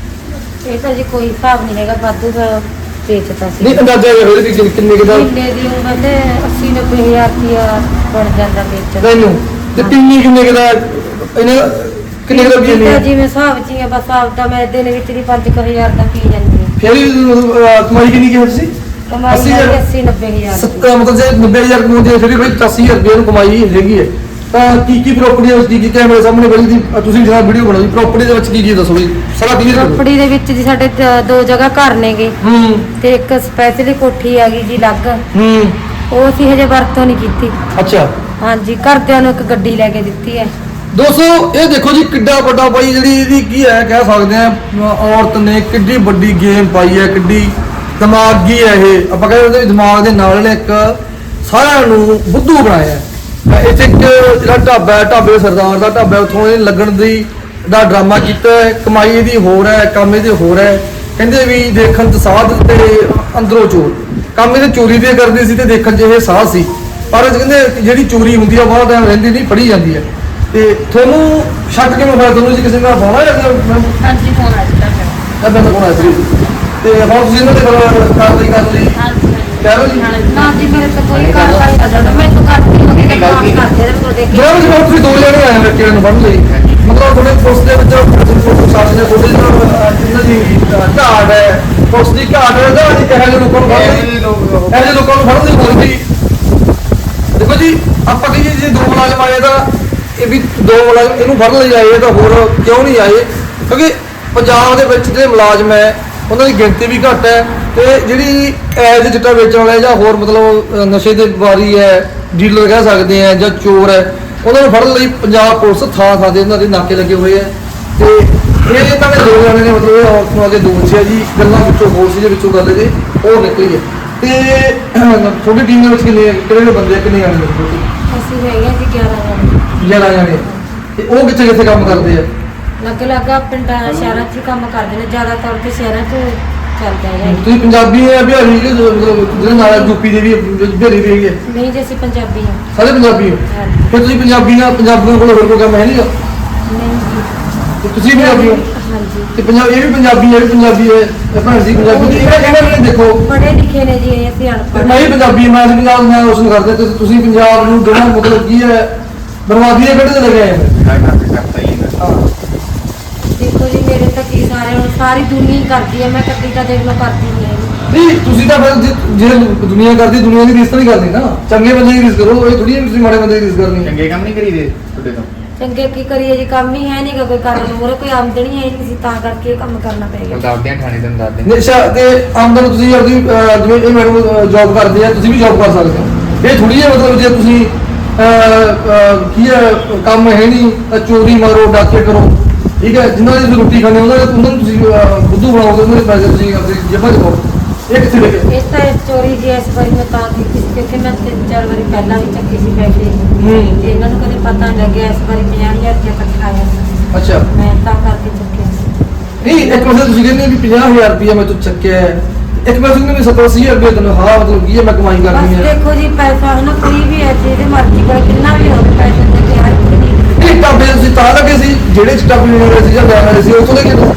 Speaker 2: ਇਹ ਤਾਂ ਜੀ ਕੋਈ ਹਿਸਾਬ ਨਹੀਂ ਹੈਗਾ ਵਾਧੂ ਦਾ ਵੇਚਦਾ ਸੀ
Speaker 1: ਨਹੀਂ ਅੰਦਾਜ਼ਾ ਇਹ ਹੋਵੇ ਕਿ ਕਿੰਨੇ ਕਿਦਾ
Speaker 2: ਮਹੀਨੇ ਦੀ ਉਮਰ ਤੇ ਅੱਸੀ ਨੱਬੇ ਹਜ਼ਾਰ ਰੁਪਇਆ ਬਣ ਜਾਂਦਾ ਵੇਚਣ
Speaker 1: ਤੈਨੂੰ ਤੇ ਪਿੰਨੀ ਕਿੰਨੇ ਕਿਦਾ ਇਹਨੇ ਕਿੰਨੇ ਕਿਦਾ ਪੀ
Speaker 2: ਤਾਂ
Speaker 1: ਨਹੀਂ
Speaker 2: ਜਿਵੇਂ ਹਿਸਾਬ ਚ ਹੀ ਆ ਬਸ ਆਪਦਾ ਮੈਂ ਦਿਨ ਵਿੱਚ ਦੀ ਪੰਜ ਕੁ ਹਜ਼ਾਰ ਦਾ ਪੀ ਜਾਂਦੀ ਹਾਂ
Speaker 1: ਫਿਰ ਵੀ ਮਤਲਬ, ਅਹ, ਕਮਾਈ ਕਿੰਨੀ ਕੀ ਤੁਸੀਂ
Speaker 2: ਕਮਾਈ
Speaker 1: ਅੱਸੀ
Speaker 2: ਹੈਗੀ
Speaker 1: ਹਜ਼ਾਰ?
Speaker 2: ਅੱਸੀ ਨੱਬੇ ਹਜ਼ਾਰ
Speaker 1: ਸੱਤ
Speaker 2: ਦੀ।
Speaker 1: ਮਤਲਬ ਜੇ ਨੱਬੇ ਹਜ਼ਾਰ ਕਮਾਉਂਦੇ ਆ, ਫਿਰ ਵੀ ਕੋਈ ਪਚਾਸੀ ਹਜ਼ਾਰ ਰੁਪਏ ਨੂੰ ਕਮਾਈ ਹੈਗੀ ਹੈ ਤਾਂ ਕੀ ਕੀ ਪ੍ਰਾਪਰਟੀ ਹੈ ਉਸ ਦੀ ਕੀ ਕੈਮਰੇ ਸਾਹਮਣੇ ਬੜੀ ਦੀ ਅਹ, ਤੁਸੀਂ ਜਿਹੜਾ ਵੀਡੀਓ ਬਣਾਈ ਪ੍ਰਾਪਰਟੀ ਦੇ ਵਿੱਚ ਕੀ ਕੀ ਦੱਸੋ ਜੀ ਸਾਰਾ ਕਲੀਅਰ ਕਰੋ
Speaker 2: ਪ੍ਰੋਪਰਟੀ ਦੇ ਵਿੱਚ ਜੀ ਸਾਡੇ ਦ- ਦੋ ਜਗ੍ਹਾ ਘਰ ਨੇਗੇ
Speaker 1: ਹੂੰ
Speaker 2: ਤੇ ਇੱਕ ਸਪੈਸ਼ਲੀ ਕੋਠੀ ਆ ਗਈ ਜੀ ਅਲੱਗ
Speaker 1: ਹੂੰ
Speaker 2: ਉਹ ਅਸੀਂ ਹਜੇ ਵਰਤੋਂ ਨਹੀਂ ਕੀਤੀ
Speaker 1: ਅੱਛਾ
Speaker 2: ਹਾਂਜੀ ਘਰਦਿਆਂ ਨੂੰ ਇੱਕ ਗੱਡੀ ਲੈ ਕੇ ਦਿੱਤੀ ਹੈ
Speaker 1: ਦੋਸਤੋ ਇਹ ਦੇਖੋ ਜੀ ਕਿੱਡਾ ਵੱਡਾ ਬਾਈ ਜਿਹੜੀ ਇਹਦੀ ਕੀ ਹੈ ਕਹਿ ਸਕਦੇ ਆ ਅਹ, ਔਰਤ ਨੇ ਕਿੱਡੀ ਵੱਡੀ ਗੇਮ ਪਾਈ ਹੈ ਕਿੱਡੀ ਦਿਮਾਗੀ ਹੈ ਇਹ ਆਪਾਂ ਕਹਿੰਦੇ ਉਹਦੇ ਦਿਮਾਗ ਦੇ ਨਾਲ ਇਹਨੇ ਇੱਕ ਸਾਰਿਆਂ ਨੂੰ ਬੁੱਧੂ ਬਣਾਇਆ ਹੈ। ਤਾਂ ਇੱਥੇ ਇੱਕ ਜਿਹੜਾ ਢਾਬਾ ਹੈ ਢਾਬੇ ਦੇ ਸਰਦਾਰ ਦਾ ਢਾਬਾ ਹੈ, ਉੱਥੋਂ ਇਹ ਲੱਗਣ ਦੀ ਦਾ ਡਰਾਮਾ ਕੀਤਾ ਹੈ ਕਮਾਈ ਇਹਦੀ ਹੋਰ ਹੈ ਕੰਮ ਇਹਦੇ ਹੋਰ ਹੈ ਕਹਿੰਦੇ ਵੀ ਦੇਖਣ ਚ ਸਾਧ ਤੇ ਅੰਦਰੋਂ ਚੋਰ ਕੰਮ ਇਹਦੇ ਚੋਰੀ ਦੇ ਕਰਦੇ ਸੀ ਤੇ ਦੇਖਣ ਚ ਇਹ ਸਾਧ ਸੀ ਪਰ ਕਹਿੰਦੇ ਜਿਹੜੀ ਚੋਰੀ ਹੁੰਦੀ ਆ ਬਹੁਤ ਟਾਈਮ ਰਹਿੰਦੀ ਨਹੀਂ ਫੜੀ ਜਾਂਦੀ ਹੈ ਤੇ ਤੁਹਾਨੂੰ ਸ਼ੱਕ ਕਿਵੇਂ ਹੋਇਆ ਤੁਹਾਨੂੰ ਜੀ ਕਿਸੇ ਨਾਲ ਪਾਉਣਾ ਜਾਂ
Speaker 5: ਹਾਂਜੀ ਫੋਨ ਆ ਜਾਂਦਾ ਮੇਰਾ
Speaker 1: ਐਦਾਂ ਦਾ ਕੋਣ ਹੈ ਸੀ ਤੇ ਹੁਣ ਤੁਸੀਂ ਇਹਨਾਂ ਦੇ ਖਿਲਾਫ ਕਾਰਵਾਈ ਕਰ ਲਈ
Speaker 5: ਹਾਂਜੀ
Speaker 1: ਕਹਿ ਲਓ ਜੀ
Speaker 2: ਨਾ ਜੀ ਮੇਰੇ ਤੋਂ ਕੋਈ ਕਾਰਵਾਈ ਨਹੀਂ ਕਰਦਾ ਮੈਂ ਤਾਂ ਕਰਦੀ ਹਾਂ ਕਿ ਕੰਮ ਕਰਦੇ ਰਹੇ ਉਹ ਦੇਖ
Speaker 1: ਜਿਹੜਾ ਵੀ ਹੁਣ ਤੁਸੀਂ ਦੋ ਜਣੇ ਆਏ ਹੋ ਕਿਹੜੇ ਨੂੰ ਫੜ ਲਈ ਮਤਲਬ ਤੁਹਾਡੇ ਪੁਲਿਸ ਦੇ ਵਿੱਚ ਪ੍ਰਸ਼ਾਸਨ ਨੇ ਤੁਹਾਡੇ ਨਾਲ ਇਹਨਾਂ ਦੀ ਅਹ, ਘਾਟ ਹੈ, ਪੁਲਿਸ ਦੀ ਘਾਟ ਹੈ ਜਾਂ ਇਹੋ ਜਿਹੇ ਲੋਕਾਂ ਨੂੰ ਫੜਨ
Speaker 3: ਇਹ
Speaker 1: ਦੀ
Speaker 3: ਲੋਕ
Speaker 1: ਇਹੋ ਜਿਹੇ ਲੋਕਾਂ ਨੂੰ ਫੜਨ ਦੀ ਹੋਈ ਸੀ। ਦੇਖੋ ਜੀ ਆਪਾਂ ਕਹੀਏ ਜੇ ਦੋ ਮੁਲਾਜ਼ਮ ਆਏ ਤਾਂ ਇਹ ਵੀ ਦੋ ਮੁਲਾਜ਼ਮ ਇਹਨੂੰ ਫੜਨ ਲਈ ਆਏ ਤਾਂ ਹੋਰ ਕਿਉਂ ਨਹੀਂ ਆਏ, ਕਿਉਂਕਿ ਪੰਜਾਬ ਦੇ ਵਿੱਚ ਜਿਹੜੇ ਮੁਲਾਜ਼ਮ ਹੈ ਉਹਨਾਂ ਦੀ ਗਿਣਤੀ ਵੀ ਘੱਟ ਹੈ ਤੇ ਜਿਹੜੀ ਐਜ ਚਿੱਟਾ ਵੇਚਣ ਵਾਲੇ ਜਾਂ ਹੋਰ ਮਤਲਬ ਅਹ, ਨਸ਼ੇ ਦੇ ਵਪਾਰੀ ਹੈ, ਡੀਲਰ ਕਹਿ ਸਕਦੇ ਆ ਜਾਂ ਚੋਰ ਹੈ, ਉਹਨਾਂ ਨੂੰ ਫੜਨ ਲਈ ਪੰਜਾਬ ਪੁਲਿਸ ਥਾਂ ਥਾਂ ਤੇ ਉਹਨਾਂ ਦੇ ਨਾਕੇ ਲੱਗੇ ਹੋਏ ਆ। ਤੇ ਇਹ ਇਹਨਾਂ ਨੇ ਦੋ ਜਣੇ ਨੇ ਮਤਲਬ ਇਹ ਔਰਤ ਨੂੰ ਅੱਗੇ ਦੋ ਬੱਚੇ ਜੀ ਗੱਲਾਂ ਵਿੱਚੋਂ ਬੋਲ ਸੀ ਦੇ ਵਿੱਚੋਂ ਗੱਲ ਇਹਦੇ ਉਹ ਨਿਕਲੀ ਹੈ। ਤੇ ਤੁਹਾਡੀ ਟੀਮ ਦੇ ਵਿੱਚ ਕਿੰਨੇ ਕਿਹੜੇ ਬੰਦੇ ਆ, ਕਿੰਨੇ ਜਾਣੇ ਨੇ ਤੁਸੀਂ?
Speaker 2: ਅਸੀਂ ਹੈਗੇ ਆ ਜੀ ਗਿਆਰਾਂ ਜਣੇ।
Speaker 1: ਗਿਆਰਾਂ ਜਾਣੇ। ਤੇ ਉਹ ਕਿੱਥੇ ਕਿੱਥੇ ਕੰਮ ਕਰਦੇ ਆ?
Speaker 2: ਲੱਗ ਲੱਗਾ ਪਿੰਡਾਂ ਸ਼ਹਿਰਾਂ 'ਚ ਹੀ ਕੰਮ ਕਰਦੇ ਨੇ, ਜ਼ਿਆਦਾਤਰ ਤੇ ਸ਼ਹਿਰਾਂ 'ਚ ਚੱਲਦਾ ਹੈ।
Speaker 1: ਤੁਸੀਂ ਪੰਜਾਬੀ ਹੈ ਬਿਹਾਰੀ ਕਿ ਮਤਲਬ ਜਿਹੜੇ ਨਾਲ ਯੂਪੀ ਦੇ ਵੀ ਬਿਹਾਰੀ ਵੀ ਹੈਗੇ ਆ?
Speaker 2: ਨਹੀਂ ਜੀ ਅਸੀਂ ਪੰਜਾਬੀ ਹਾਂ।
Speaker 1: ਸਾਰੇ ਪੰਜਾਬੀ ਹੋ?
Speaker 2: ਹਾਂਜੀ।
Speaker 1: ਫਿਰ ਤੁਸੀਂ ਪੰਜਾਬੀ ਨਾਲ ਪੰਜਾਬੀਆਂ ਕੋਲ ਹੋਰ ਕੋਈ ਕੰਮ ਹੈ ਨਹੀਂਗਾ?
Speaker 2: ਨਹੀਂ ਜੀ।
Speaker 1: ਤੇ ਤੁਸੀਂ ਪੰਜਾਬੀ ਹੋ?
Speaker 2: ਹਾਂਜੀ।
Speaker 1: ਤੇ ਪੰਜਾਬ ਇਹ ਵੀ ਪੰਜਾਬੀ ਹੈ, ਇਹ ਵੀ ਪੰਜਾਬੀ ਹੈ, ਇਹ ਭੈਣ ਜੀ ਪੰਜਾਬੀ ਦੀ ਇਹਨਾਂ ਇਹਨਾਂ ਨੇ ਦੇਖੋ
Speaker 2: ਪੜ੍ਹੇ ਲਿਖੇ ਨੇ ਜੀ ਇਹ, ਅਸੀਂ
Speaker 1: ਤੇ
Speaker 2: ਅਨਪੜ੍ਹ
Speaker 1: ਮੈਂ ਵੀ ਪੰਜਾਬੀ ਹਾਂ, ਮੈਂ ਅਸੀਂ ਪੰਜਾਬ ਮੈਂ ਰੋਸ਼ਨ ਕਰਦੇ ਤੇ ਤੁਸੀਂ ਪੰਜਾਬ ਨੂੰ ਜਿਹੜਾ ਮਤਲਬ ਕੀ ਹੈ ਬਰਬਾਦੀ ਦੇ ਕਿਹੜੇ ਤੇ ਲੈ ਕੇ ਆਏ ਹੋ?
Speaker 3: ਮੈਂ ਕੰਮ ਕਰਤਾ ਹੀ ਨਾ
Speaker 1: ਹਾਂ।
Speaker 2: ਦੇਖੋ ਜੀ ਮੇਰੇ ਤਾਂ ਕੀ ਸਾਰੇ ਹੁਣ ਸਾਰੀ ਦੁਨੀਆ ਹੀ ਕਰਦੀ ਹੈ, ਮੈਂ ਕੱਲੀ ਤਾਂ ਦੇਖ ਲਓ ਕਰਦੀ ਨਹੀਂ ਹੈਗੀ।
Speaker 1: ਨਹੀਂ ਤੁਸੀਂ ਤਾਂ ਫਿਰ ਜੇ- ਜੇ ਦੁਨੀਆ ਕਰਦੀ ਦੁਨੀਆ ਦੀ ਰੀਸ ਤਾਂ ਨਹੀਂ ਕਰਨੀ ਨਾ, ਚੰਗੇ ਬੰਦੇ ਦੀ ਰੀਸ ਕਰੋ, ਇਹ ਥੋੜੀ ਜਿਹੀ ਤੁਸੀਂ ਮਾੜੇ ਬੰਦੇ ਦੀ ਰੀਸ ਕਰਨੀ ਹੈ।
Speaker 3: ਚੰਗੇ ਕੰਮ ਨਹੀਂ ਕਰੀਦੇ ਤੁਹਾਡੇ ਤੋਂ।
Speaker 2: ਚੰਗੇ ਕੀ ਕਰੀਏ ਜੀ, ਕੰਮ ਹੀ ਹੈ ਨਹੀਂਗਾ ਕੋਈ ਕਰਨ ਨੂੰ, ਮੂਹਰੇ ਕੋਈ ਆਮਦਨੀ ਹੈ ਨਹੀਂ ਸੀ, ਤਾਂ ਕਰਕੇ ਇਹ ਕੰਮ ਕਰਨਾ ਪੈ
Speaker 3: ਹੁਣ
Speaker 2: ਗਿਆ।
Speaker 3: ਦੱਸਦੇ ਆ ਥਾਣੇ ਤੋਂ ਦੱਸਦੇ
Speaker 1: ਨਿਸ਼ਾ ਤੇ ਆਮਦਨ ਤੁਸੀਂ ਆਪਦੀ ਅਹ, ਜਿਵੇਂ ਇਹ ਮੈਡਮ ਜੌਬ ਕਰਦੇ ਆ, ਤੁਸੀਂ ਵੀ ਜੌਬ ਕਰ ਸਕਦੇ ਹੋ। ਇਹ ਥੋੜੀ ਜਿਹੀ ਮਤਲਬ ਜੇ ਤੁਸੀਂ ਅਹ, ਅਹ, ਕੀ ਹੈ ਕੰਮ ਹੈ ਨਹੀਂ ਤਾਂ ਚੋਰੀ ਮਾਰੋ, ਡਾਕੇ ਕਰੋ, ਠੀਕ ਹੈ, ਜਿਨ੍ਹਾਂ ਦੀ ਤੁਸੀਂ ਰੋਟੀ ਖਾਂਦੇ ਹੋ ਉਹਨਾਂ ਦੇ ਉਹਨਾਂ ਨੂੰ ਤੁਸੀਂ ਅਹ, ਬੁੱਧੂ ਬਣਾਓਗੇ, ਉਹਨਾਂ ਦੇ ਪੈਸੇ ਤੁਸੀਂ ਆਪਣੀ ਜੇਬਾਂ 'ਚ ਪਾਓ। ਇਹ ਕਿੱਥੇ ਲੈ ਕੇ?
Speaker 2: ਇਸ ਤਾਂ ਇਸ ਚੋਰੀ ਜੀ ਇਸ ਵਾਰੀ ਮੈਂ ਤਾਂ ਕੀਤੀ ਸੀ ਕਿਉਂਕਿ ਮੈਂ ਤਿੰਨ ਚਾਰ ਵਾਰੀ ਪਹਿਲਾਂ ਵੀ ਚੱਕੀ ਸੀ ਪੈਸੇ,
Speaker 1: ਹੂੰ।
Speaker 2: ਤੇ ਇਹਨਾਂ ਨੂੰ ਕਦੇ ਪਤਾ ਨਹੀਂ ਲੱਗਿਆ, ਇਸ ਵਾਰੀ ਪੰਜਾਹ ਹਜ਼ਾਰ ਰੁਪਇਆ ਇਕੱਠਾ ਆਇਆ ਸੀ।
Speaker 1: ਅੱਛਾ।
Speaker 2: ਮੈਂ ਤਾਂ ਕਰਕੇ ਚੱਕਿਆ ਸੀ।
Speaker 1: ਨਹੀਂ ਇੱਕ ਪਾਸੇ ਤੁਸੀਂ ਕਹਿੰਦੇ ਵੀ ਪੰਜਾਹ ਹਜ਼ਾਰ ਰੁਪਇਆ ਮੈਂ ਤੋਂ ਚੱਕਿਆ ਹੈ, ਇੱਕ ਪਾਸੇ ਕਹਿੰਦੇ ਵੀ ਸੱਤਰ ਅੱਸੀ ਹਜ਼ਾਰ ਰੁਪਇਆ ਤੈਨੂੰ ਹਾਂ ਮਤਲਬ ਕੀ ਹੈ ਮੈਂ ਕਮਾਈ ਕਰਨੀ
Speaker 2: ਬਸ
Speaker 1: ਹੈ।
Speaker 2: ਦੇਖੋ ਜੀ ਪੈਸਾ ਹੈ ਨਾ, ਕੋਈ ਵੀ ਹੈ ਜਿਹਦੇ ਮਰਜ਼ੀ ਕੋਲ ਕਿੰਨਾ ਵੀ ਹੋਵੇ ਪੈਸੇ ਦੇ ਕੇ ਹਰ ਇੱਕ ਨਹੀਂ
Speaker 1: ਇਹ ਟਾਬੇ ਤੁਸੀਂ ਤਾਂ ਲੱਗੇ ਸੀ ਜਿਹੜੇ ਚ ਟਾਬੇ ਹੋਣੇ ਸੀ ਜਾਂ ਲੈਣ ਵਾਲੇ ਸੀ ਉਹ ਤੋਂ ਲੈ ਕੇ ਦੋ।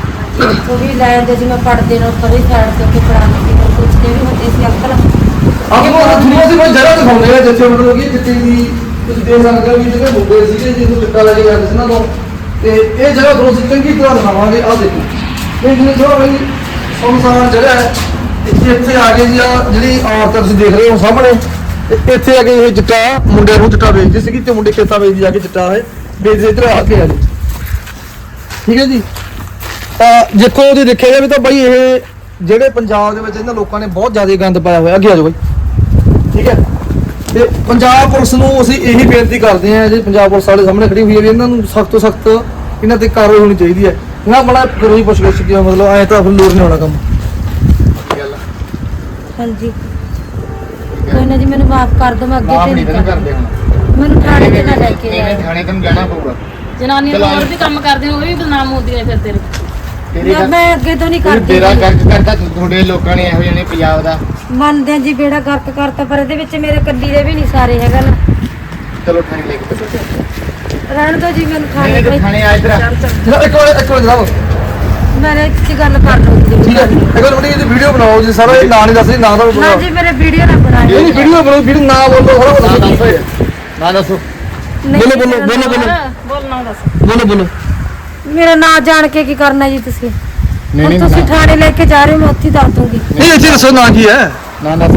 Speaker 2: ਉਹ ਵੀ ਲੈ ਆਉਂਦੇ ਸੀ, ਮੈਂ ਪੜਦੇ ਨੂੰ ਪਰੇ ਸਾਈਡ ਤੇ ਕੇ ਪੜਾਉਂਦੀ ਸੀ, ਮੈਨੂੰ ਪੁੱਛਦੇ ਵੀ ਹੁੰਦੇ ਸੀ ਅੰਕਲ
Speaker 1: ਆਪ ਨੂੰ ਤੁਹਾਨੂੰ ਅਸੀਂ ਕੋਈ ਜਗ੍ਹਾ ਦਿਖਾਉਂਦੇ ਆ ਜਿੱਥੇ ਮਤਲਬ ਕਿ ਜਿੱਥੇ ਵੀ ਤੁਸੀਂ ਦੇਖ ਸਕਦੇ ਹੋ ਵੀ ਜਿਹੜੇ ਮੁੰਡੇ ਸੀਗੇ ਜਿਹਨੂੰ ਚਿੱਟਾ ਲੈ ਕੇ ਜਾਂਦੇ ਸੀ ਨਾ ਤੋਂ, ਤੇ ਇਹ ਜਗ੍ਹਾ ਤੁਹਾਨੂੰ ਅਸੀਂ ਚੰਗੀ ਤਰ੍ਹਾਂ ਦਿਖਾਵਾਂਗੇ। ਆਹ ਦੇਖੋ ਇਹ ਜਿਹੜੇ ਥੋੜਾ ਬਈ ਸੁਨਸਾਨ ਜਗ੍ਹਾ ਹੈ, ਤੇ ਇੱਥੇ ਆ ਕੇ ਜੀ ਆਹ ਜਿਹੜੀ ਔਰਤ ਤੁਸੀਂ ਦੇਖ ਰਹੇ ਹੋ ਸਾਹਮਣੇ, ਤੇ ਇੱਥੇ ਆ ਕੇ ਇਹ ਚਿੱਟਾ ਮੁੰਡੇ ਨੂੰ ਚਿੱਟਾ ਵੇਚਦੇ ਸੀਗੇ ਤੇ ਮੁੰਡੇ ਖੇਤਾਂ ਵੇਚਦੇ ਜਾ ਕੇ ਚਿੱਟਾ ਹੈ ਵੇਚਦੇ ਇੱਧਰ ਆ ਕੇ ਆ ਜੀ, ਠੀਕ ਹੈ ਜੀ। ਤਾਂ ਦੇਖੋ ਉਹਦੇ ਦੇਖਿਆ ਜਾਵੇ ਤਾਂ ਬਾਈ ਇਹ ਜਿਹੜੇ ਪੰਜਾਬ ਦੇ ਵਿੱਚ ਇਹਨਾਂ ਲੋਕਾਂ ਨੇ ਬਹੁਤ ਜ਼ਿਆਦਾ ਗੰਦ ਪਾਇਆ ਹੋਇਆ। ਅੱਗੇ ਆ ਜਾਓ ਬਾਈ, ਠੀਕ ਹੈ। ਤੇ ਪੰਜਾਬ ਪੁਲਿਸ ਨੂੰ ਅਸੀਂ ਇਹੀ ਬੇਨਤੀ ਕਰਦੇ ਹਾਂ, ਜੇ ਪੰਜਾਬ ਪੁਲਿਸ ਸਾਡੇ ਸਾਹਮਣੇ ਖੜੀ ਹੋਈ ਹੈ ਵੀ ਇਹਨਾਂ ਨੂੰ ਸਖਤ ਤੋਂ ਸਖਤ ਇਹਨਾਂ ਤੇ ਕਾਰਵਾਈ ਹੋਣੀ ਚਾਹੀਦੀ ਹੈ। ਨਾ ਬੜਾ ਕਰੋ ਹੀ ਪੁੱਛ ਗਿੱਛ ਕੇ ਮਤਲਬ ਐਂ ਤਾਂ ਫਿਰ ਲੋੜ ਨਹੀਂ ਹੋਣਾ ਕੰਮ।
Speaker 3: ਗੱਲ
Speaker 2: ਹਾਂਜੀ ਕੋਈ ਨਾ ਜੀ, ਮੈਨੂੰ ਮਾਫ ਕਰ ਦਿਓ, ਮੈਂ ਅੱਗੇ
Speaker 3: ਮਾਫ
Speaker 2: ਤੇ
Speaker 3: ਨਹੀਂ
Speaker 2: ਨਹੀਂ
Speaker 3: ਤੈਨੂੰ ਕਰਦੇ ਹੁਣ।
Speaker 2: ਮੈਨੂੰ ਥਾਣੇ ਤੇ ਨਾ ਲੈ ਕੇ
Speaker 3: ਨਹੀਂ
Speaker 2: ਜਾਓ।
Speaker 3: ਥਾਣੇ ਤੈਨੂੰ ਜਾਣਾ ਪਊਗਾ।
Speaker 5: ਜਨਾਨੀਆਂ
Speaker 3: ਚਲੋ
Speaker 5: ਹੋਰ ਵੀ ਕੰਮ ਕਰਦੇ ਨੇ, ਉਹ ਵੀ ਬਦਨਾਮ ਹੁੰਦੀਆਂ ਫਿਰ ਤੇਰੇ।
Speaker 3: ਤੇਰੇ
Speaker 2: ਮੈਂ- ਮੈਂ ਅੱਗੇ ਤੋਂ ਨਹੀਂ ਕਰਦੀ
Speaker 3: ਤੇਰਾ
Speaker 2: ਜੀ।
Speaker 3: ਕਰਜ ਕਰਤਾ ਤੁਹਾਡੇ ਲੋਕਾਂ ਨੇ ਇਹੋ ਜਿਹੇ ਨੇ ਪੰਜਾਬ ਦਾ।
Speaker 2: ਮੰਨਦੇ ਆ ਜੀ ਬੇੜਾ ਗਰਕ ਕਰਤਾ, ਪਰ ਇਹਦੇ ਵਿੱਚ ਮੇਰੇ ਕੱਲੀ ਦੇ ਵੀ ਨਹੀਂ ਸਾਰੇ ਹੈਗਾ ਨਾ।
Speaker 3: ਚਲੋ ਥਾਣੇ ਲੈ ਕੇ ਚੱਲੋ।
Speaker 2: ਰਹਿਣ ਦਿਓ ਜੀ ਮੈਨੂੰ ਥਾਣੇ
Speaker 3: ਨਹੀਂ
Speaker 2: ਕੋਈ।
Speaker 3: ਤੇ ਥਾਣੇ ਆ ਇਧਰ।
Speaker 1: ਜਨਾਬ ਇੱਕ ਵਾਰ ਇੱਕ ਵਾਰ ਜਨਾਬ,
Speaker 2: ਮੇਰੇ ਇੱਕ ਗੱਲ ਕਰ ਲਓ ਜੀ।
Speaker 1: ਠੀਕ ਹੈ, ਇੱਕ ਵਾਰ ਬੜੀ ਇਹਦੀ ਵੀਡੀਓ ਬਣਾਓ ਜੀ, ਸਾਰਾ ਇਹ ਨਾਂ ਨਹੀਂ ਦੱਸ ਰਹੀ, ਨਾਂ ਦਾ
Speaker 2: ਨਾ
Speaker 1: ਬੋਲੋ।
Speaker 2: ਜੀ ਮੇਰੇ ਵੀਡੀਓ ਨਾ ਬਣਾਇਓ।
Speaker 1: ਨਹੀਂ ਨਹੀਂ ਵੀਡੀਓ ਬਣਾਓ, ਵੀਡੀਓ ਨਾਂ ਬੋਲੋ, ਥੋੜਾ
Speaker 3: ਨਾ
Speaker 1: ਬੋਲੋ
Speaker 3: ਦੱਸੋ ਨਾ ਦੱਸੋ।
Speaker 2: ਨਹੀਂ,
Speaker 1: ਬੋਲੋ, ਬੋਲੋ,
Speaker 2: ਮੇਰਾ
Speaker 1: ਬੋਲੋ,
Speaker 2: ਨਾਂ-
Speaker 1: ਬੋਲੋ।
Speaker 5: ਬੋਲ ਨਾ ਦੱਸ।
Speaker 1: ਬੋਲੋ ਬੋਲੋ।
Speaker 2: ਮੇਰਾ ਨਾਂ ਜਾਣ ਕੇ ਕੀ ਕਰਨਾ ਜੀ ਤੁਸੀਂ?
Speaker 3: ਨਹੀਂ
Speaker 2: ਹੁਣ
Speaker 3: ਨਹੀਂ
Speaker 2: ਤੁਸੀਂ
Speaker 3: ਨਾ-
Speaker 2: ਥਾਣੇ ਲੈ ਕੇ ਜਾ ਰਹੇ ਹੋ, ਮੈਂ ਉੱਥੇ ਹੀ ਦੱਸ ਦੂੰਗੀ।
Speaker 1: ਨਹੀਂ ਇੱਥੇ ਦੱਸੋ ਨਾਂ ਕੀ ਹੈ?
Speaker 3: ਨਾ ਦੱਸ।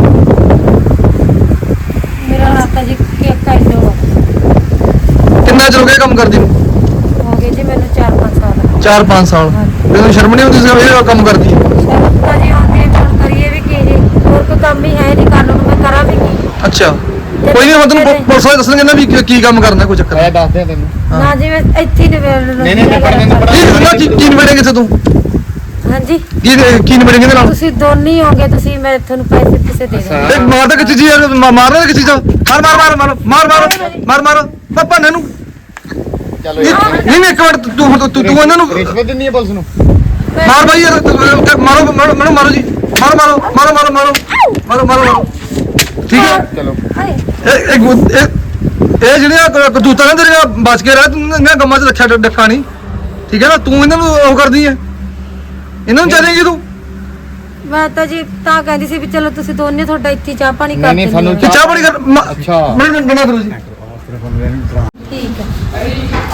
Speaker 2: ਮੇਰਾ ਨਾਂ ਤਾਂ ਜੀ ਕੇਕ ਕਾਇਦੋ
Speaker 1: ਕਿੰਨਾ ਚਿਰ ਹੋ ਗਿਆ ਕੰਮ ਕਰਦੀ ਨੂੰ?
Speaker 2: ਹੋ ਗਏ ਜੀ ਮੈਨੂੰ ਚਾਰ ਪੰਜ ਸਾਲ।
Speaker 1: ਚਾਰ ਪੰਜ ਸਾਲ। ਤੈਨੂੰ ਸ਼ਰਮ ਨਹੀਂ ਆਉਂਦੀ ਸੀ ਵੀ ਇਹ ਕੰਮ ਕਰਦੀ ਹੈ?
Speaker 2: ਸ਼ਰਮ ਤਾਂ ਜੀ ਆਉਂਦੀ ਹੈ, ਹੁਣ ਕਰੀਏ ਵੀ ਕੀ ਜੀ, ਹੋਰ ਕੋਈ ਕੰਮ ਹੀ ਹੈ ਨਹੀਂ ਕਰਨ ਨੂੰ, ਮੈਂ ਕਰਾਂ ਵੀ ਕੀ?
Speaker 1: ਅੱਛਾ ਕੋਈ ਨਹੀਂ, ਮੈਂ ਤੈਨੂੰ ਪੁ- ਪੁਲਿਸ ਵਾਲੇ ਦੱਸਣਗੇ ਨਾ ਵੀ ਕੀ- ਕੀ ਕੰਮ ਕਰਨਾ, ਕੋਈ ਚੱਕਰ
Speaker 3: ਮੈਂ
Speaker 1: ਨਹੀਂ।
Speaker 3: ਦੱਸਦੇ ਆ ਤੈਨੂੰ।
Speaker 1: ਹਾਂ।
Speaker 2: ਨਾ ਜੀ ਮੈਂ ਇੱਥੇ ਹੀ ਨਿਬੇੜ ਲੂੰ।
Speaker 3: ਨਹੀਂ, ਨਹੀਂ, ਮੈਂ ਪੜ੍ਹਨੇ ਨੂੰ ਪੜ੍ਹਾ-
Speaker 1: ਨਹੀਂ ਨਾ ਕੀ ਕੀ ਨਿਬੜੇਂਗੇ ਇੱਥੇ ਤੂੰ?
Speaker 2: ਹਾਂਜੀ
Speaker 1: ਕੀ ਕੀ ਨਿਬੜੇਂਗੇ ਇਹਦੇ ਨਾਲ?
Speaker 2: ਤੁਸੀਂ ਦੋਨੇ ਹੀ ਹੋਗੇ, ਤੁਸੀਂ ਮੈਂ ਤੁਹਾਨੂੰ ਪੈਸੇ ਕਿਸੇ ਦੇ
Speaker 3: ਅੱਛਾ।
Speaker 2: ਦੇਵਾਂ।
Speaker 1: ਇਹ ਮਾਰ ਤਾਂ ਕਿੱਥੇ ਜੀ ਯਾਰ, ਮਾ- ਮਾਰਨਾ ਤਾਂ ਕਿੱਥੇ ਜਾ? ਮਾਰ ਮਾਰ ਮਾਰ ਮਾਰ ਮਾਰ ਮਾਰ ਮਾਰ ਮਾਰ ਪਾਪਾ ਨੇ ਨੂੰ।
Speaker 3: ਚਲੋ
Speaker 1: ਨਹੀਂ ਨਹੀਂ ਨਹੀਂ, ਇੱਕ ਮਿੰਟ ਤੂੰ ਤੂੰ ਤੂੰ ਤੂੰ ਇਹਨਾਂ ਨੂੰ
Speaker 3: ਰਿਸ਼ਵਤ ਦਿੰਦੀ ਹੈ ਪੁਲਿਸ ਨੂੰ।
Speaker 1: ਮਾਰ ਬਾਈ ਯਾਰ, ਤੂੰ- ਮਾਰੋ ਮਾਰੋ ਮੈਨੂੰ ਮਾਰੋ ਜੀ, ਮਾਰੋ ਮਾਰੋ ਮਾਰੋ ਮਾਰੋ ਮਾਰੋ ਮਾਰੋ ਮਾਰੋ ਮਾਰੋ। ਠੀਕ ਹੈ।
Speaker 3: ਚਲੋ
Speaker 2: ਹਾਏ,
Speaker 1: ਇਹ ਇਹ ਗੁ- ਇਹ ਇਹ ਜਿਹੜੀਆਂ ਕ- ਕਰਤੂਤਾਂ ਨੇ ਤੇਰੀਆਂ ਬਚ ਕੇ ਰਹਿ, ਤੂੰ ਇਹਨਾਂ ਗੰਮਾਂ 'ਚ ਰੱਖਿਆ ਡ- ਡੱਕਾ ਨਹੀਂ, ਠੀਕ ਹੈ ਨਾ? ਤੂੰ ਇਹਨਾਂ ਨੂੰ ਉਹ ਕਰਦੀ ਹੈ, ਇਹਨਾਂ ਨੂੰ ਚਾਹੇਂਗੀ ਤੂੰ?
Speaker 2: ਮੈਂ ਤਾਂ ਜੀ ਤਾਂ ਕਹਿੰਦੀ ਸੀ ਵੀ ਚਲੋ ਤੁਸੀਂ ਦੋਨੇ ਤੁਹਾਡਾ ਇੱਥੇ ਹੀ ਚਾਹ ਪਾਣੀ
Speaker 3: ਨਹੀਂ,
Speaker 2: ਕਰ
Speaker 3: ਨਹੀਂ,
Speaker 2: ਦਿੰਦੇ
Speaker 3: ਸਾਨੂੰ
Speaker 2: ਹੋ।
Speaker 1: ਤੇ ਚਾਹ ਪਾਣੀ ਕਰ।
Speaker 3: ਅੱਛਾ।
Speaker 1: ਮੈਨੂੰ ਬਣਾ ਕਰੋ ਜੀ।
Speaker 2: ਠੀਕ ਹੈ।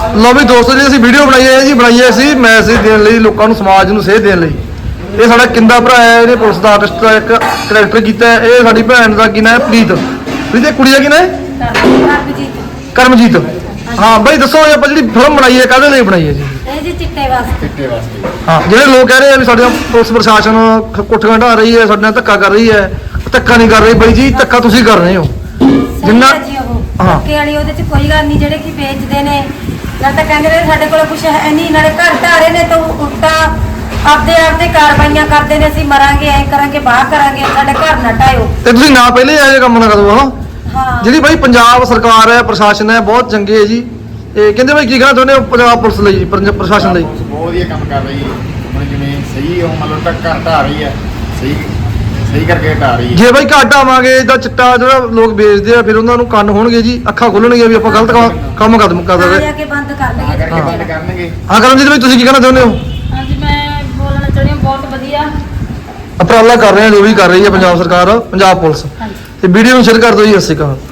Speaker 1: ਲੋ ਵੀ ਦੋਸਤੋ ਜੀ ਅਸੀਂ ਵੀਡੀਓ ਬਣਾਈ ਹੈ ਜੀ ਬਣਾਈ ਹੈ ਅਸੀਂ ਮੈਸੇਜ ਦੇਣ ਲਈ ਲੋਕਾਂ ਨੂੰ ਸਮਾਜ ਨੂੰ ਸੇਧ ਦੇਣ ਲਈ ਇਹ ਸਾਡਾ ਕਿੰਦਾ ਭਰਾ ਹੈ ਇਹਨੇ ਪੁਲਿਸ ਦਾ ਆਰਟਿਸਟ ਦਾ ਇੱਕ ਕਰੈਕਟਰ ਕੀਤਾ ਹੈ ਇਹ ਸਾਡੀ ਭੈਣ ਦਾ ਕੀ ਨਾਮ ਹੈ ਪ੍ਰੀਤ ਪ੍ਰੀਤ ਇਹ ਕੁੜੀ ਦਾ ਕੀ ਨਾਮ ਹੈ
Speaker 2: ਕਰਮਜੀਤ
Speaker 1: ਕਰਮਜੀਤ ਹਾਂ ਬਾਈ ਦੱਸੋ ਇਹ ਆਪਾਂ ਜਿਹੜੀ ਫਿਲਮ ਬਣਾਈ ਹੈ ਕਾਹਦੇ ਲਈ ਬਣਾਈ ਹੈ ਜੀ
Speaker 2: ਇਹ ਜੀ ਚਿੱਟੇ ਵਾਸਤੇ
Speaker 3: ਚਿੱਟੇ ਵਾਸਤੇ
Speaker 1: ਹਾਂ ਜਿਹੜੇ ਲੋਕ ਕਹਿ ਰਹੇ ਆ ਵੀ ਸਾਡੇ ਨਾਲ ਪੁਲਿਸ ਪ੍ਰਸ਼ਾਸਨ ਕੁੱਟੀਆਂ ਢਾ ਰਹੀ ਹੈ ਸਾਡੇ ਨਾਲ ਧੱਕਾ ਕਰ ਰਹੀ ਹੈ ਧੱਕਾ ਨਹੀਂ ਕਰ ਰਹੀ ਬਾਈ ਜੀ ਧੱਕਾ ਤੁਸੀਂ ਕਰ ਰਹੇ ਹੋ
Speaker 2: ਜਿੰਨਾ
Speaker 1: ਜਿੰਨਾ-
Speaker 2: ਜੀ ਉਹ
Speaker 1: ਹਾਂ।
Speaker 2: ਧੱਕੇ ਵਾਲੀ ਉਹਦੇ ਚ ਕੋਈ ਗੱਲ ਨਹੀਂ ਜਿਹੜੇ ਕਿ ਵੇਚਦੇ ਨੇ ਨਾ ਤਾਂ ਕਹਿੰਦੇ ਨੇ ਸਾਡੇ ਕੋਲ ਕੁਝ ਹੈ ਨਹੀਂ ਨਾਲੇ ਘਰ ਢਾਰੇ ਨੇ ਤਾਂ ਉਲਟਾ ਆਪਦੇ ਆਪ ਤੇ ਕਾਰਵਾਈਆਂ ਕਰਦੇ ਨੇ ਅਸੀਂ ਮਰਾਂਗੇ ਐ ਕਰਾਂਗੇ ਬਾਹਰ ਕਰਾਂਗੇ ਸਾਡੇ ਘਰ ਨਾ ਢਾਇਓ
Speaker 1: ਤੇ ਤੁਸੀਂ ਨਾ ਪਹਿਲੇ ਇਹੋ ਜਿਹੇ ਕੰਮ ਨਾ ਕਰੋ ਹਨਾ
Speaker 2: ਹਾਂ
Speaker 1: ਜਿਹੜੀ ਬਾਈ ਪੰਜਾਬ ਸਰਕਾਰ ਹੈ ਪ੍ਰਸ਼ਾਸਨ ਹੈ ਬਹੁਤ ਚੰਗੇ ਹੈ ਜੀ ਇਹ ਕਹਿੰਦੇ ਬਾਈ ਕੀ ਕਹਿਣਾ ਚਾਹੁੰਦੇ ਹੋ ਪੰਜਾਬ ਪੁਲਿਸ ਲਈ ਪੰਜ- ਪ੍ਰਸ਼ਾਸਨ ਲਈ
Speaker 3: ਬਹੁਤ ਵਧੀਆ ਕੰਮ ਕਰ ਰਹੀ ਹੈ ਹੁਣ ਜਿਵੇਂ ਸਹੀ ਉਹ ਮਤਲਬ ਤੱਕ ਘਰ ਢਾ ਰਹੀ ਹੈ ਸਹੀ ਸਹੀ ਕਰਕੇ ਢਾ ਰਹੀ ਹੈ
Speaker 1: ਜੇ ਬਾਈ ਘੱਟ ਆਵਾਂਗੇ ਤਾਂ ਚਿੱਟਾ ਜਿਹੜਾ ਲੋਕ ਵੇਚਦੇ ਆ ਫਿਰ ਉਹਨਾਂ ਨੂੰ ਕੰਨ ਹੋਣਗੇ ਜੀ ਅੱਖਾਂ ਖੁੱਲਣਗੀਆਂ ਵੀ ਆਪਾਂ ਗਲਤ ਕੰਮ- ਕੰਮ ਕਦਮ ਕਰ
Speaker 2: ਆ
Speaker 1: ਰਹੇ
Speaker 2: ਜਾ ਕੇ ਬੰਦ ਕਰ
Speaker 3: ਤਾਂ
Speaker 2: ਲਈਏ
Speaker 3: ਕਰਕੇ ਬੰਦ ਕਰਨਗੇ
Speaker 1: ਹਾਂ ਕਰਮਜੀਤ ਬਾਈ ਤੁਸੀਂ ਕੀ ਕਹਿਣਾ ਚਾਹੁੰਦੇ ਹੋ
Speaker 5: ਹਾਂਜੀ ਮੈਂ ਬੋਲਣਾ ਚਾਹੁੰਦੀ ਹਾਂ ਬਹੁਤ ਵਧੀਆ
Speaker 1: ਉਪਰਾਲਾ ਕਰ ਰਹੇ ਆ ਜੋ ਵੀ ਕਰ ਰਹੀ ਹੈ ਪੰਜਾਬ ਸਰਕਾਰ ਪੰਜਾਬ ਪੁਲਿਸ
Speaker 5: ਹਾਂਜੀ
Speaker 1: ਤੇ ਵੀਡੀਓ ਨੂੰ ਸ਼ੇਅਰ ਕਰ ਦਿਓ ਜੀ ਸਤਿ ਸ਼੍ਰੀ ਅਕਾਲ